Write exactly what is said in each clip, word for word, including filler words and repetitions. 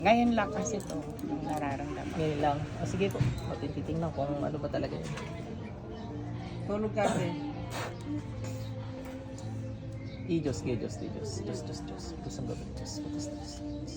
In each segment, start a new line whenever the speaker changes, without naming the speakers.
Ngayon lang kasi to yung nararamdaman.
Ngayon lang. Ah, sige po. Matitingnan kung ano ba talaga yun.
Tulog kasi.
I-Diyos, kay Diyos, kay Diyos. Diyos, Diyos, Diyos. Diyos ang gabin, Diyos. Diyos, Diyos.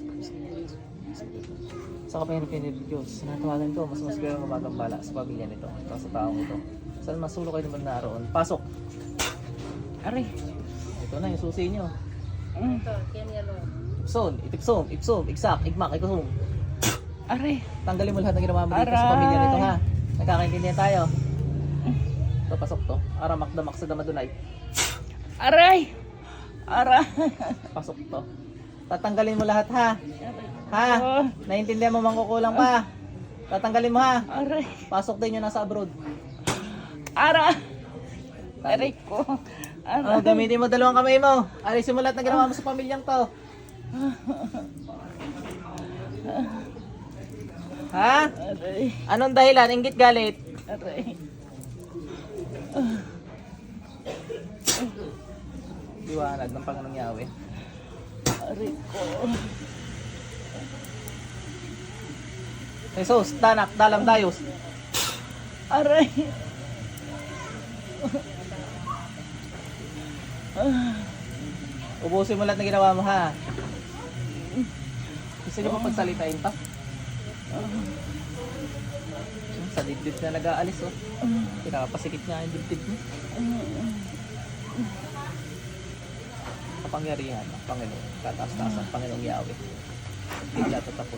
Sa kapangyarihan ng Diyos, natawagan ko, mas mas kayo magagambala sa pamilya nito, ito sa taong ito. Saan masulo kayo naman naroon? Pasok!
Aray.
Ito na yung susi nyo.
Mm.
Ipson, itipsom, ipsom, igsak, igmak, ikusum.
Aray.
Tanggalin mo lahat ng ginawa mo dito sa
Aray.
pamilya nito, ha? Nagkakaintindihan tayo. Ito, pasok to. Aramak damak sa damadunay.
Aray. Aray.
Pasok to. Tatanggalin mo lahat, ha? Ha?
Oh.
Naiintindihan mo mangkukulang pa? Tatanggalin mo, ha?
Aray.
Pasok din yun nasa abroad.
Aray. Aray ko. Aray.
Oh, gamitin mo dalawang kamay mo. Alisin mo lahat na ginawa mo sa pamilyang to. Ha?
Aray.
Anong dahilan? Inggit galit?
Aray.
Liwanag ng Panginoong Yahweh.
Aray ko.
Jesus, tanak, dalam dayos.
Aray.
Ubusin mo lahat na ginawa mo, ha? Gusto niyo pa pagsalitain pa? Sa dibdib na nag-aalis, oh. Pinapasikit niya yung dibdib mo. Kapangyarihan ng Panginoon. Kataas-taas ang Panginoong Yahweh. Bigla tatapon.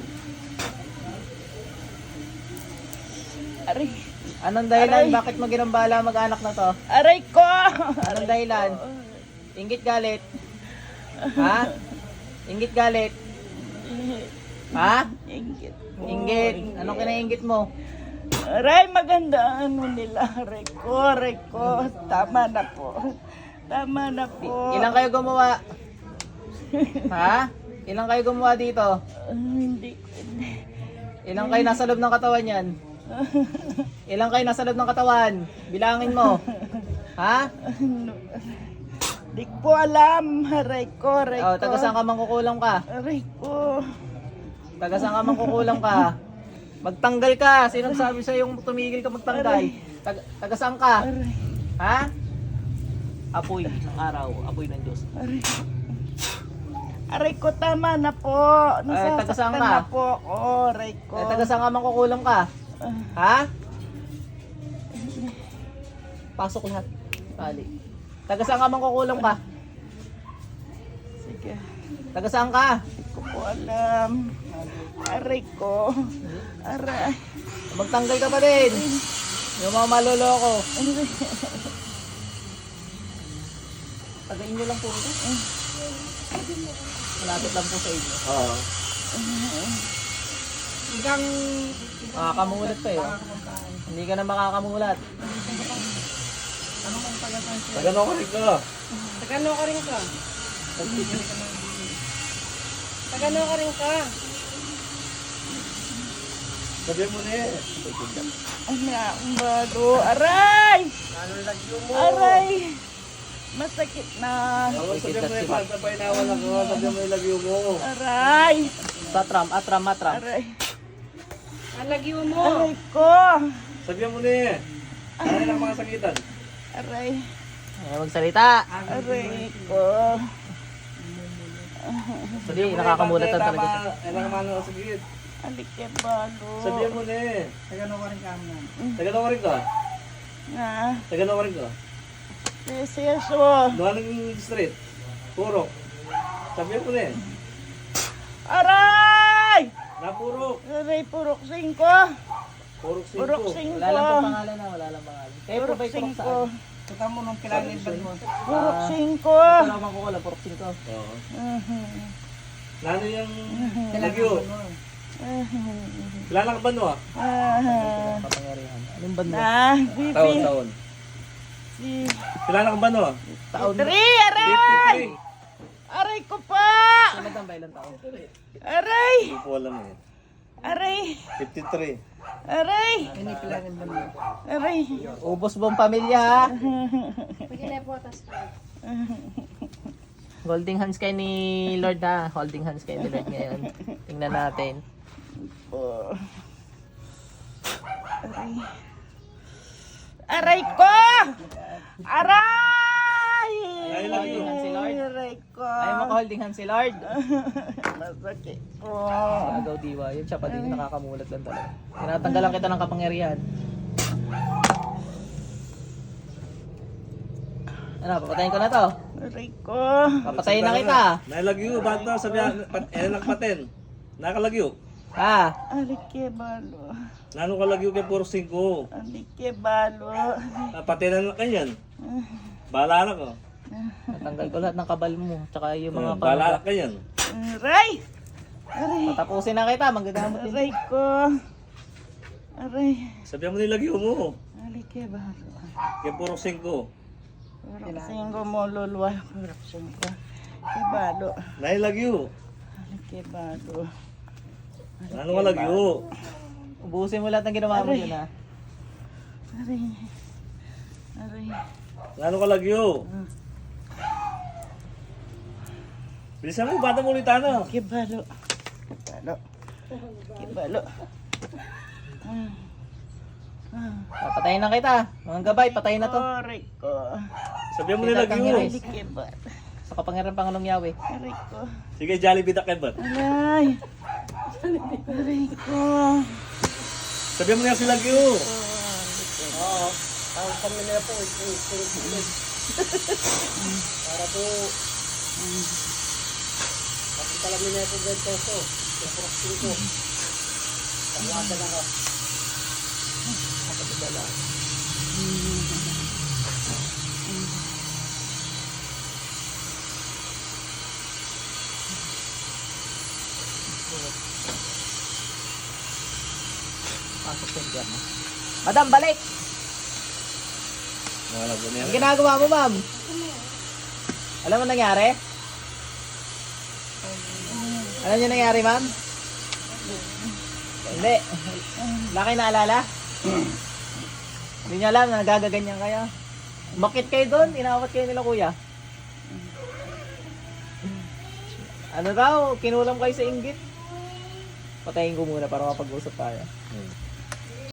Aray.
Anong dahilan?
Aray.
Bakit mo ginambala mag-anak na to?
Aray ko.
Anong dahilan? Inggit galit? Ha? Inggit galit? Ha?
Inggit.
Inggit. Anong kinainggit mo?
Aray, maganda ang ano nila. Aray ko, aray ko. Tama na po. Tama na po.
Ilang kayo gumawa? Ha? Ilang kayo gumawa dito?
Ah, hindi ko. Hindi.
Ilang kayo nasa loob ng katawan yan? Ilang kayo nasa loob ng katawan? Bilangin mo. Ha?
Ano? Di ko alam. Aray ko, aray
Oh,
ko.
taga saan ka mangkukulam ka?
Aray ko.
Taga saan ka mangkukulam ka? Magtanggal ka. Sino sabi sa yung tumigil ka magtanggal? Taga, taga saan ka?
Aray.
Ha? Apoy ng araw, apoy ng Diyos.
Aray. Aray ko, tama na po.
Ay, taga saan
Nasasaktan
ka?
na po. Oh, aray ko.
Eh, taga saan ka mangkukulam ka?
Ah,
Ha? Pasok lahat. Tali. Taga saan ka mangkukulam ka?
sige.
Taga saan ka?
Di ko po alam. Aray ko. Aray.
Magtanggal ka pa din. Yung mga maloloko.
Aray.
Tagain nyo lang po ito. Malapit lang po sa inyo. Oo.
Hanggang
Makakamulat pa eh. oh. Hindi ka na makakamulat.
Tagano ka rin ka.
Tagano ka rin ka. Tagano ka rin ka.
Sabihin mo na eh.
Ano ang bago? Aray! Aray! Masakit na.
Ako sabihin mo na eh. Pag sabay na wala ka, sabihin mo yung lagyo mo.
Aray!
Satram, atram, matram.
Aray!
Alagyo mo.
Aray ko!
Sabihin mo na eh. Ano lang mga sakitan?
Aray!
Ay, magsalita.
Aray ko!
Hindi, nakakamulat na talaga siya.
Ilang mano ang sakit.
Alik kay bago.
Sabihin mo na eh.
Tagano ka rin ka mo.
Tagano ka rin ka.
Nga.
Tagano ka rin ka.
Seseso.
Doon ng street. Purok. Sabihin mo na eh.
Aray!
Napurok.
Aray, purok singko.
Purok singko.
Purok
Wala
singko.
lang pong pangalan na, wala lang pangalan. Kayo po
Purok
ba'y turok
singko.
saan?
Tuka mo nung
kilangin ba mo?
Purok
Ah,
singko.
Ito lang mangkukulam, purok singko.
Oo.
Mhm.
Lalo yung lagyo.
Mhm.
Kilala ka ba no ah?
Ah.
Kapangyarihan. Anong banda?
Na, bibi.
Taon, taon.
Si
Kilala ka ba no ah?
Taon.
Tri, aray!
fifty-three.
Aray ko pa!
Sunod ang bailan taon.
Aray!
Hindi ko alam eh.
Aray!
fifty-three.
Aray! Aray!
Ubos buong pamilya ha.
Pag po, tas
Holding hands kay ni Lord ha. Holding hands kay ni Lord ngayon. Tingnan natin.
Po. Aray. Aray ko! Aray!
Aray lang yun.
Si Lord.
Aray ko.
Ayaw mo ka-holding hands si Lord.
Masakit po.
Agaw diwa. Yun siya pa din nakakamulat lang talaga. Tinatanggalan kita ng kapangyarihan. Ano, papatayin ko na to.
Aray ko.
Papatayin na kita.
Nailagyo, ba't na sabi, pat, eh, nagpaten. Nakalagyo.
Ha?
Aray ke balo.
Nano kalagyo kay puro singko.
Aray ke balo.
Ah, patinan na kanyan. Bahala na ko.
Natanggal ko lahat ng kabal mo. Tsaka yung mga
Hmm, bahala na
pang...
kanyan.
Aray! Aray!
Patapusin na kita. Magagamot din.
Aray ko. Aray.
Sabihan mo nilagyo mo.
Aray ke balo.
Kay puro singko.
Parang singgo mo lulwa. Parang singgo. Ke balo.
Nailagyo.
Aray ke balo.
Nano kalagyo.
Ubusin mo lahat ng ginawa mo
Aray.
yun ha.
Aray. Aray.
Nano kalagyo. Bilisan mo, bata mo ulit ano.
Ke balo. Ke balo. Ke balo. Ah. Ah.
Papatayin na kita. Mga gabay, patayin na to.
Aray ko.
Sabihan mo
Kita
nilagyo.
Aray ke balo.
Sa kapangyarihan ng Pangulong Yahweh.
Aray ko.
Sige, Jollibee Dakebot.
Aray. Aray ko.
Sabihan mo na si lagyo.
Oo. Ang kami nila po, para po, kapag talamin na ito ganito ko, kapag ko, pangwagan ako. Kapag dala. Pasok sa impyerno. Madam, balik!
Wala po na yan.
Ang ginagawa mo, ma'am? Alam mo nangyari? Alam niyo nangyari, ma'am? Hindi. Wala kayo naalala? Hindi niyo alam na nagagaganyan kayo. Bakit kayo doon? Inawat kayo nila, kuya. Ano daw? Kinulam kayo sa inggit? Patayin ko muna para mapag-usap tayo.
Hmm.